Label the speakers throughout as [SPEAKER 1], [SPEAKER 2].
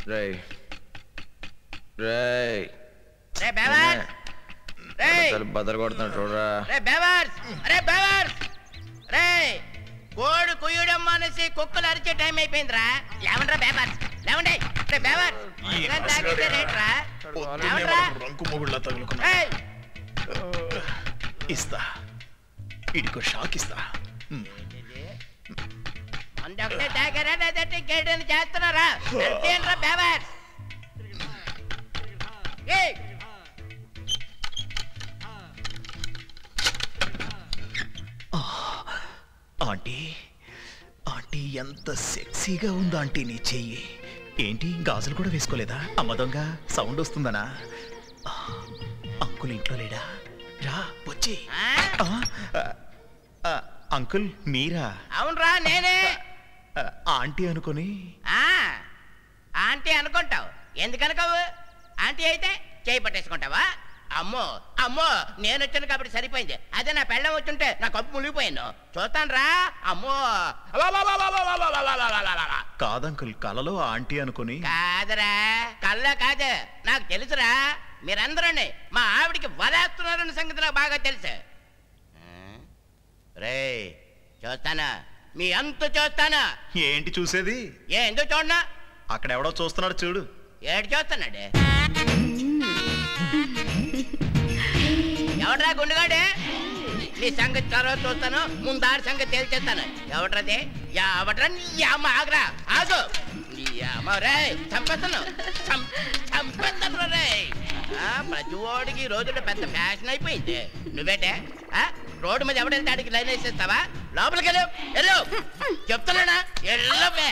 [SPEAKER 1] రేయ్ రేయ్
[SPEAKER 2] రే బేవర్ రేయ్
[SPEAKER 1] బదలు కొడుతున్నాడు చూడరా.
[SPEAKER 2] రే బేవర్ అరే బేవర్ రేయ్ కోడి కుయ్యడం మానేసి కుక్కలు అరిచే టైం అయిపోయిందిరా. లేవండ్రా బేవర్ లేవండి. రే బేవర్ తాగితే రేట్రా
[SPEAKER 3] రంకు మొగుళ్ళ తగులుకున్నా. ఇస్తా ఇడికో షాక్ ఇస్తా.
[SPEAKER 2] అందొకటే తాగారా లేదంటే ఇంకేటని చేస్తున్నారా? ఏంట్రా బేవర్
[SPEAKER 3] ఆంటీ ఆంటీ ఎంత సెక్సీగా ఉందో ఆంటీ నీ చెయ్యి. ఏంటి గాజులు కూడా వేసుకోలేదా? అమ్మ దొంగ సౌండ్ వస్తుందనా? అంకుల్ ఇంట్లో లేడా? రా వచ్చి. అంకుల్ మీరా?
[SPEAKER 2] అవునరా నేనే.
[SPEAKER 3] ఆంటీ అనుకొని.
[SPEAKER 2] ఆంటీ అనుకుంటావు, ఎందుకనుకోవు? ఆంటీ అయితే చేయి పట్టేసుకుంటావా? అమ్మో అమ్మో నేను వచ్చాను కాబట్టి సరిపోయింది. అదే నా పెళ్ళం వచ్చుంటే నా కప్పు మునిగిపోయాను. చూస్తాను రా. అమ్మో
[SPEAKER 3] కాదంకుల్ కలలో ఆంటీ అనుకుని.
[SPEAKER 2] కాదరా కళ్ళ కాదు, నాకు తెలుసురా. మీరందరూ మా ఆవిడికి వలేస్తున్నారన్న సంగతి నాకు బాగా తెలుసు. రే చూస్తానా మీ అంత చూస్తానా?
[SPEAKER 3] ఏంటి చూసేది?
[SPEAKER 2] ఎందుకు చూడనా?
[SPEAKER 3] అక్కడ ఎవడో చూస్తున్నాడు చూడు.
[SPEAKER 2] ఏడు చూస్తున్నాడు? ఎవడ్రా గుండుగాడే? నీ సంగతి తర్వాత చూస్తాను, ముందారి సంగతి తేల్చేస్తాను. ఎవడ్రది? ఎవడ్రా? నీ అమ్మ ఆగరా, ఆగు. నీ అమ్మ రే చంపేస్తాను చంపేస్తాను రే. ప్రతి ఓడికి ఈ రోజుల్లో పెద్ద ఫ్యాషన్ అయిపోయింది. నువ్వేటే రోడ్డు మీద ఎవడైతే ఆడికి లైన్ వేసేస్తావా? లోపలికి వెళ్ళు వెళ్ళు చెప్తున్నానా? వెళ్ళవే.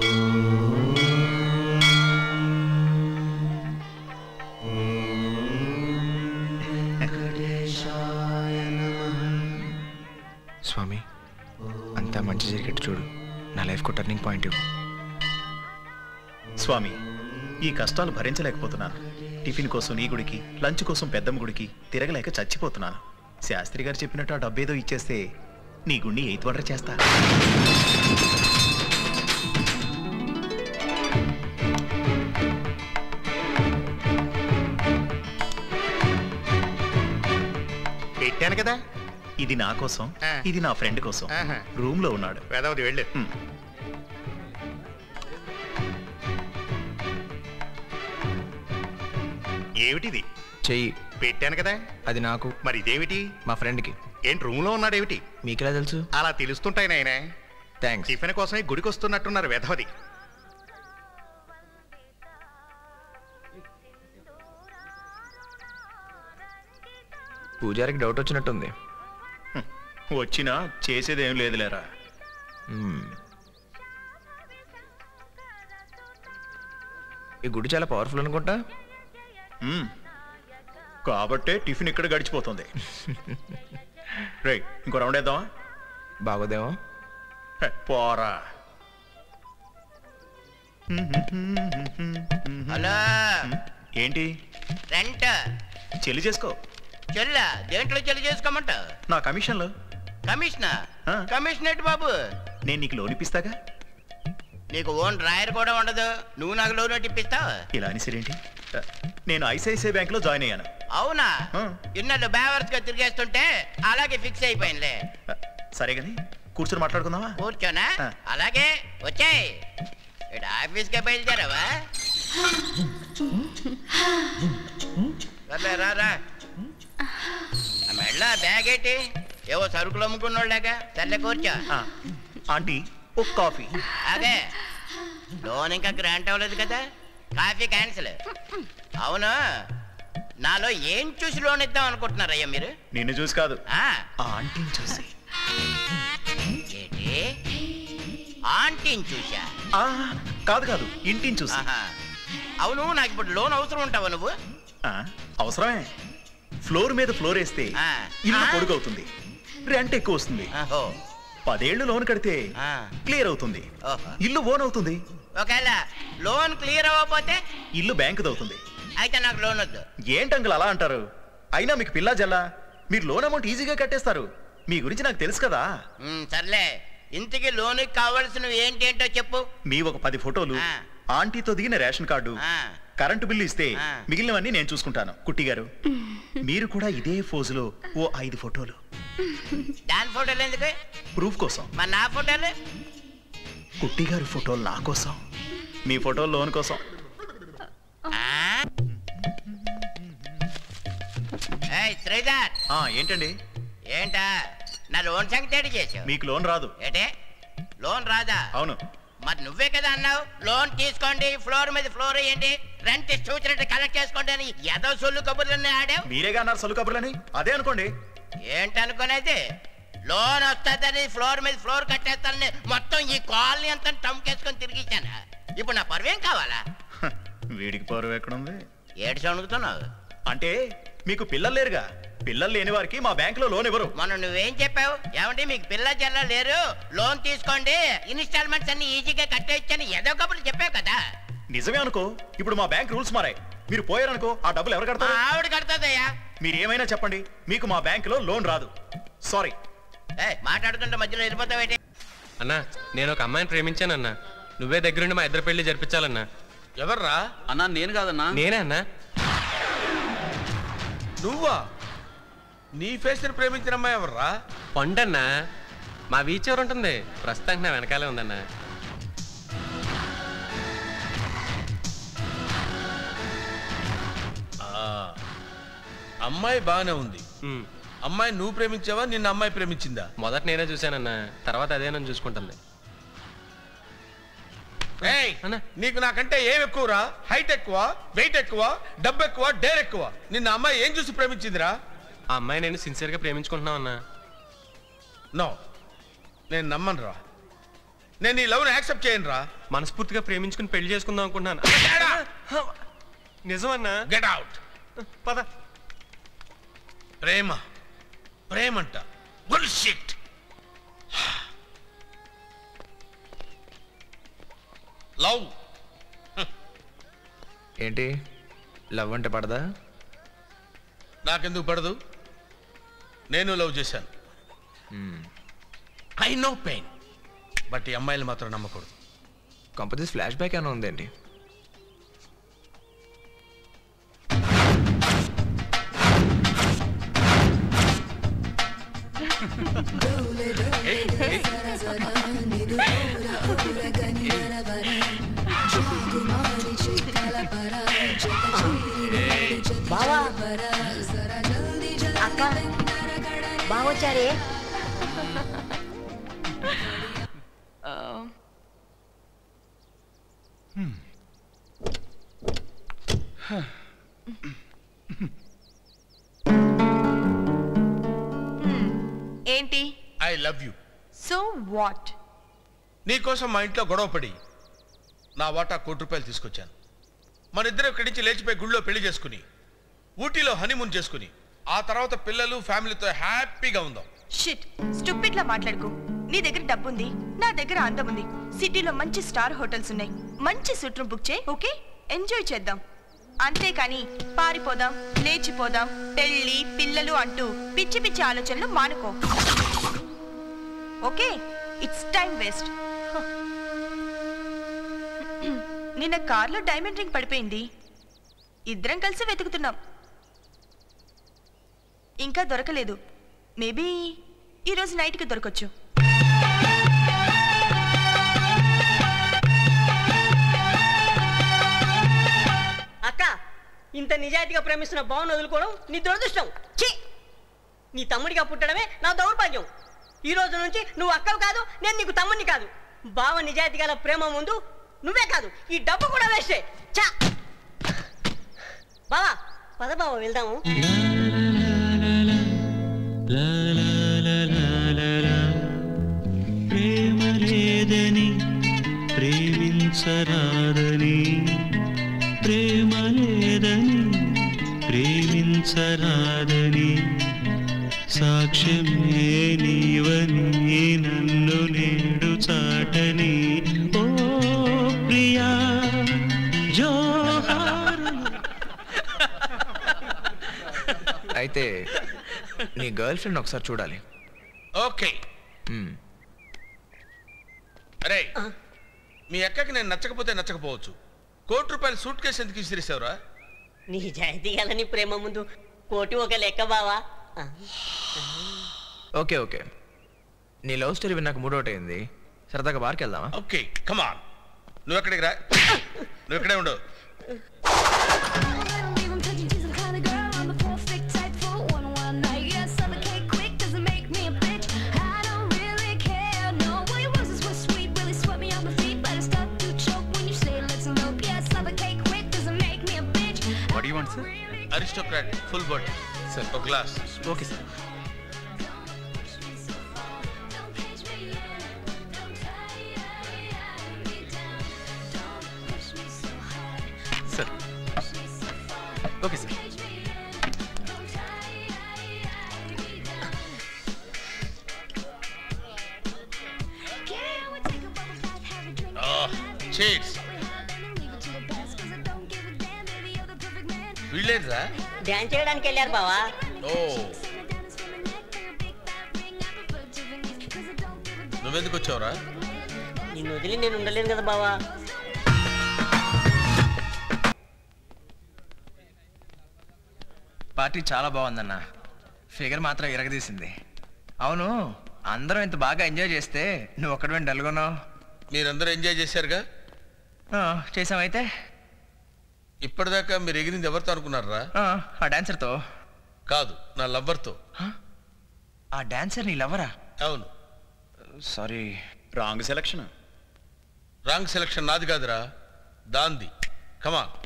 [SPEAKER 1] స్వామి అంతా మంచి జరిగేట్టు చూడు. నా లైఫ్కు టర్నింగ్ పాయింట్ ఇవ్వు
[SPEAKER 3] స్వామి. ఈ కష్టాలు భరించలేకపోతున్నాను. టిఫిన్ కోసం ఈ గుడికి, లంచ్ కోసం పెద్దమ్మ గుడికి తిరగలేక చచ్చిపోతున్నాను. శాస్త్రి గారు చెప్పినట్టు ఆ డబ్బేదో ఇచ్చేస్తే నీ గుండి 8th వండర్ చేస్తా.
[SPEAKER 4] పెట్టాను కదా.
[SPEAKER 3] ఇది నా కోసం, ఇది నా ఫ్రెండ్ కోసం. రూమ్ లో ఉన్నాడు.
[SPEAKER 4] వేదవతి వెళ్ళు. ఏమిటిది?
[SPEAKER 1] చెయ్యి.
[SPEAKER 4] పెట్టాను కదా.
[SPEAKER 1] అది నాకు.
[SPEAKER 4] మరి ఇదేమిటి?
[SPEAKER 1] మా ఫ్రెండ్కి.
[SPEAKER 4] ఏంటి రూమ్ లో ఉన్నాడేమిటి?
[SPEAKER 1] మీకెలా తెలుసు?
[SPEAKER 4] అలా తెలుస్తుంటాయి నాయన.
[SPEAKER 1] థ్యాంక్స్.
[SPEAKER 4] టిఫిన్ కోసమే గుడికి వస్తున్నట్టున్నారు వేదవతి.
[SPEAKER 1] పూజారికి డౌట్ వచ్చినట్టుంది.
[SPEAKER 3] వచ్చినా చేసేదేం లేదులేరా.
[SPEAKER 1] ఈ గుడి చాలా పవర్ఫుల్ అనుకుంటా.
[SPEAKER 3] కాబట్టే టిఫిన్ ఇక్కడ గడిచిపోతుంది. రైట్, ఇంకో రౌండ్ వేద్దామా?
[SPEAKER 1] బాగోదేమో.
[SPEAKER 3] పోరా.
[SPEAKER 2] హలో
[SPEAKER 3] ఏంటి?
[SPEAKER 2] రెంట్
[SPEAKER 3] చెల్లి చేసుకో.
[SPEAKER 2] చెల్ల దేంట్లో చెల్లి చేసుకోమంటావు?
[SPEAKER 3] నా కమిషన్లో.
[SPEAKER 2] కమిషనా? కమిషన్ ఏంటి బాబు?
[SPEAKER 3] నేను నీకు లోన్ ఇప్పిస్తాగా.
[SPEAKER 2] నీకు ఓన్ డ్రాయర్ కూడా ఉండదు, నువ్వు నాకు లోన్ ఇప్పిస్తావు?
[SPEAKER 3] ఇలా అనేసరేంటి? నేను ఐసిఐసిఐ బ్యాంక్ లో జాయిన్ అయ్యాను.
[SPEAKER 2] అవునా? ఇన్నాళ్ళు బేవర్స్ గా తిరిగేస్తుంటే అలాగే ఫిక్స్ అయిపోయిందిలే.
[SPEAKER 3] సరే గాని కూర్చొని మాట్లాడుకుందామా?
[SPEAKER 2] కూర్చోనా? అలాగే వచ్చాయి. ఇటు ఆఫీస్ కే బయలుదేరావా? రా మెళ్ళ బ్యాగ్ ఏంటి? ఏవో సరుకులు అమ్ముకున్నోళ్ళగా. సర్లే కూర్చో.
[SPEAKER 3] ఆంటీ ఒక కాఫీ.
[SPEAKER 2] అదే లోన్ ఇంకా గ్రాంట్ అవ్వలేదు కదా, కాఫీ క్యాన్సిల్. అవును, నాలో ఏం చూసి లోన్ ఇద్దాం అనుకుంటున్నారయ్యా మీరు?
[SPEAKER 3] నిన్ను చూసి కాదు,
[SPEAKER 2] ఆంటీని చూసి. ఏంటి ఆంటీని చూసా?
[SPEAKER 3] కాదు కాదు, ఇంటిని చూసి.
[SPEAKER 2] అవును, నాకు ఇప్పుడు లోన్ అవసరం ఉంటావా నువ్వు?
[SPEAKER 3] అవసరమే. ఫ్లోర్ మీద ఫ్లోర్ వేస్తే ఇల్లు పొడుగవుతుంది, రెంట్ ఎక్కువ వస్తుంది. 10 ఏళ్ళు లోన్ కడితే క్లియర్ అవుతుంది, ఇల్లు ఓన్ అవుతుంది.
[SPEAKER 2] ఒకవేళ లోన్ క్లియర్ అవ్వకపోతే
[SPEAKER 3] ఇల్లు బ్యాంకుది అవుతుంది.
[SPEAKER 2] అయితే నాకు లోన్ వద్దు.
[SPEAKER 3] ఏంటంకుల్ అలా అంటారు? అయినా మీకు పిల్లా జల్లా, మీరు లోన్ అమౌంట్ ఈజీగా కట్టేస్తారు. మీ గురించి నాకు తెలుసు కదా.
[SPEAKER 2] సర్లే, ఇంతకీ లోన్ కావాల్సినవి ఏంటేంటో చెప్పు.
[SPEAKER 3] మీ ఒక 10 ఫోటోలు, ఆంటీతో దిగిన రేషన్ కార్డు, కరెంటు బిల్లు ఇస్తే మిగిలినవన్నీ నేను చూసుకుంటాను. కుట్టి గారు, మీరు కూడా ఇదే ఫోజులో ఓ 5 ఫోటోలు.
[SPEAKER 2] దాని ఫోటోలు ఎందుకు?
[SPEAKER 3] ప్రూఫ్ కోసం.
[SPEAKER 2] మరి నా ఫోటోలు?
[SPEAKER 3] కుట్టి గారి ఫోటోలు నా కోసం, మీ ఫోటోలు లోన్ కోసం.
[SPEAKER 2] శ్రీధర్,
[SPEAKER 3] ఏంటండి?
[SPEAKER 2] ఏంటా నా లోన్ సంగతి చేసావు?
[SPEAKER 3] మీకు లోన్ రాదు.
[SPEAKER 2] ఏంటే లోన్ రాదా?
[SPEAKER 3] అవును.
[SPEAKER 2] మరి నువ్వే కదా అన్నావు లోన్ తీసుకోండి, ఫ్లోర్ మీద ఫ్లోర్ వేయండి, రెంట్ చూసినట్టు కలెక్ట్ చేసుకోండి అని. ఏదో సొల్లు కబుర్లన్నీ ఆడావు.
[SPEAKER 3] మీరేగా అన్నారు సొల్లు కబుర్లని, అదే అనుకోండి.
[SPEAKER 2] ఏంటనుకునేది? లోన్ వస్తుందని ఫ్లోర్ మీద ఫ్లోర్ కట్టేస్తానని మొత్తం ఈ కాలనీ అంతా టమ్కేసుకొని తిరిగిచ్చాను. ఇప్పుడు నా పరువేం కావాలా?
[SPEAKER 3] వీడికి పరువు ఎక్కడుంది?
[SPEAKER 2] ఏడు సణుకుతున్నావు
[SPEAKER 3] అంటే మీకు పిల్లలు లేరుగా. పిల్లలు లేని వారికి మా బ్యాంకులో లోన్ ఇవ్వరు.
[SPEAKER 2] మొన్న నువ్వేం చెప్పావు? ఏమంటే మీకు పిల్ల జల్ల లేరు, లోన్ తీసుకోండి, ఇన్స్టాల్మెంట్స్ అన్ని ఈజీగా కట్టేయచ్చని ఏదో కబుర్లు చెప్పావు కదా.
[SPEAKER 3] నిజమే అనుకో. ఇప్పుడు మా బ్యాంక్ రూల్స్ మారాయి. మీరు పోయారనుకో ఆ డబ్బులు ఎవరు కడతారు?
[SPEAKER 2] ఆవిడ కడతాదయ్యా.
[SPEAKER 3] మీరు ఏమైనా చెప్పండి, మీకు మా బ్యాంకులో లోన్ రాదు. సారీ.
[SPEAKER 2] మాట్లాడుతుంటే మధ్యలో వెళ్ళిపోతావేంటి?
[SPEAKER 5] అన్నా, నేను ఒక అమ్మాయిని ప్రేమించానన్నా. నువ్వే దగ్గరుండి మా ఇద్దరు పెళ్లి జరిపించాలన్నా.
[SPEAKER 6] ఎవర్రా?
[SPEAKER 7] అన్నా నేను కాదన్నా.
[SPEAKER 5] నేనే అన్నా.
[SPEAKER 6] నువ్వా? నీ ఫేస్ ని ప్రేమించిన అమ్మాయి ఎవర్రా?
[SPEAKER 5] పండన్నా, మా వీచ్ ఎవరు ఉంటుంది, ప్రస్తుతానికి నా వెనకాలే ఉందన్నా.
[SPEAKER 6] అమ్మాయి బాగానే ఉంది. అమ్మాయి నువ్వు ప్రేమించావా, నిన్న అమ్మాయి ప్రేమించిందా?
[SPEAKER 5] మొదట నేనే చూశానన్నా, తర్వాత అదే నన్ను చూసుకుంటుంది.
[SPEAKER 6] నీకు నాకంటే ఏం ఎక్కువరా? హైట్ ఎక్కువ, వెయిట్ ఎక్కువ, డబ్బు ఎక్కువ, డేర్ ఎక్కువ. నిన్న అమ్మాయి ఏం చూసి ప్రేమించిందిరా?
[SPEAKER 5] ఆ అమ్మాయి నేను సిన్సియర్గా ప్రేమించుకుంటున్నావు అన్నా.
[SPEAKER 6] నో, నేను నమ్మను రా. నేను ఈ లవ్ని యాక్సెప్ట్ చేయను రా.
[SPEAKER 5] మనస్ఫూర్తిగా ప్రేమించుకుని పెళ్లి చేసుకుందాం అనుకుంటున్నాను. నిజమన్నా?
[SPEAKER 6] Get out.
[SPEAKER 5] పద.
[SPEAKER 6] ప్రేమ ప్రేమంట బుల్షిట్. లవ్
[SPEAKER 1] ఏంటి? లవ్ అంటే పడదా?
[SPEAKER 6] నాకెందుకు పడదు? నేను లవ్ చేశాను. I know pain. బట్ ఈ అమ్మాయిలు మాత్రం నమ్మకూడదు.
[SPEAKER 1] కంపెనీస్ ఫ్లాష్ బ్యాక్ ఏమైనా ఉందండి?
[SPEAKER 8] బావా, అక్క బావొచ్చారే.
[SPEAKER 9] ఏంటి?
[SPEAKER 6] I love you.
[SPEAKER 9] So what?
[SPEAKER 6] నీకోసం మా ఇంట్లో గొడవపడి నా వాటా ₹1,00,00,000 తీసుకొచ్చాను. మన ఇద్దరు ఇక్కడి నుంచి లేచిపోయి గుళ్ళో పెళ్లి చేసుకుని, ఊటీలో హనీమూన్ చేసుకుని, ఆ తర్వాత పిల్లలు ఫ్యామిలీతో హ్యాపీగా ఉందాం.
[SPEAKER 9] షిట్, స్టూపిడ్ లా మాట్లాడుకో. నీ దగ్గర డబ్బుంది, నా దగ్గర అందం ఉంది. సిటీలో మంచి స్టార్ హోటల్స్ ఉన్నాయి. మంచి సూట్ రూమ్ బుక్ చేయి, ఓకే? ఎంజాయ్ చేద్దాం. అంతేకాని పారిపోదాం, లేచిపోదాం, పెళ్లి పిల్లలు అంటూ పిచ్చి పిచ్చి ఆలోచనలు మానుకో, ఓకే? It's time waste. నిన్న కార్లో డైమండ్ రింగ్ పడిపోయింది. ఇద్దరం కలిసి వెతుకుతున్నాం, ఇంకా దొరకలేదు. మేబీ ఈరోజు నైట్కి దొరకొచ్చు.
[SPEAKER 8] అక్క, ఇంత నిజాయితీగా ప్రేమిస్తున్న బావను వదులుకోవడం నీ దురదృష్టం. ఛీ, నీ తమ్ముడిగా పుట్టడమే నా దౌర్భాగ్యం. ఈ రోజు నుంచి నువ్వు అక్కవు కాదు, నేను నీకు తమ్ముడిని కాదు. బావ నిజాయితీ గల ప్రేమ ముందు నువ్వే కాదు, ఈ డబ్బు కూడా వేస్టే. చా బావా, పద బావ వెళ్దాము.
[SPEAKER 10] ప్రేమ లేదని ప్రేమించరాదని, ప్రేమ లేదని ప్రేమించరాదని, సాక్ష్యమే నీవని నన్ను నేడు చాటని. ఓ ప్రియా జోహార్.
[SPEAKER 1] అయితే నీ గర్ల్ ఫ్రెండ్ ఒకసారి చూడాలి.
[SPEAKER 6] ఓకే. అరే, మీ అక్కకి నేను నచ్చకపోతే నచ్చకపోవచ్చు, ₹1,00,00,000 సూట్ కేసు ఎందుకు ఇసిరేసావురా?
[SPEAKER 8] నిజాయితీ గల నీ ప్రేమ ముందు కోటి ఒక లెక్క బావా.
[SPEAKER 1] ఓకే ఓకే, నీ లవ్ స్టోరీ విన్నాక మూడోటి అయింది, సరదాగా బార్కి వెళ్దామా?
[SPEAKER 6] ఓకే కమాన్, నువ్వు ఎక్కడికి రా, నువ్వు ఇక్కడే ఉండు. అరిస్టోక్రాట్ ఫుల్ బాటిల్ సార్, ఒక glass.
[SPEAKER 1] Okay sir. Sir okay sir.
[SPEAKER 6] Cheers. వీళ్ళేంట్రా?
[SPEAKER 8] డాన్స్ చేయడానికి వెళ్ళారు బావా.
[SPEAKER 6] ఓ, నువ్వెందుకు వచ్చావురా?
[SPEAKER 8] నిన్ను వదిలి నేను ఉండలేను కదా బావా.
[SPEAKER 1] పార్టీ చాలా బాగుందన్న, ఫిగర్ మాత్రం ఇరగదీసింది. అవును, అందరం ఇంత బాగా ఎంజాయ్ చేస్తే నువ్వు ఒక్కడే డల్గొన్నావు.
[SPEAKER 6] మీరందరూ ఎంజాయ్ చేశారుగా?
[SPEAKER 1] చేసామైతే.
[SPEAKER 6] ఇప్పటిదాకా మీరు ఎగిరింది ఎవరితో అనుకున్నారా?
[SPEAKER 1] ఆ డాన్సర్తో.
[SPEAKER 6] కాదు, నా లవ్వర్తో.
[SPEAKER 1] ఆ డాన్సర్ నీ లవ్వరా?
[SPEAKER 6] అవును.
[SPEAKER 1] Sorry,
[SPEAKER 3] wrong selection.
[SPEAKER 6] Wrong selection నాది కాదురా, దాంది. కమాన్.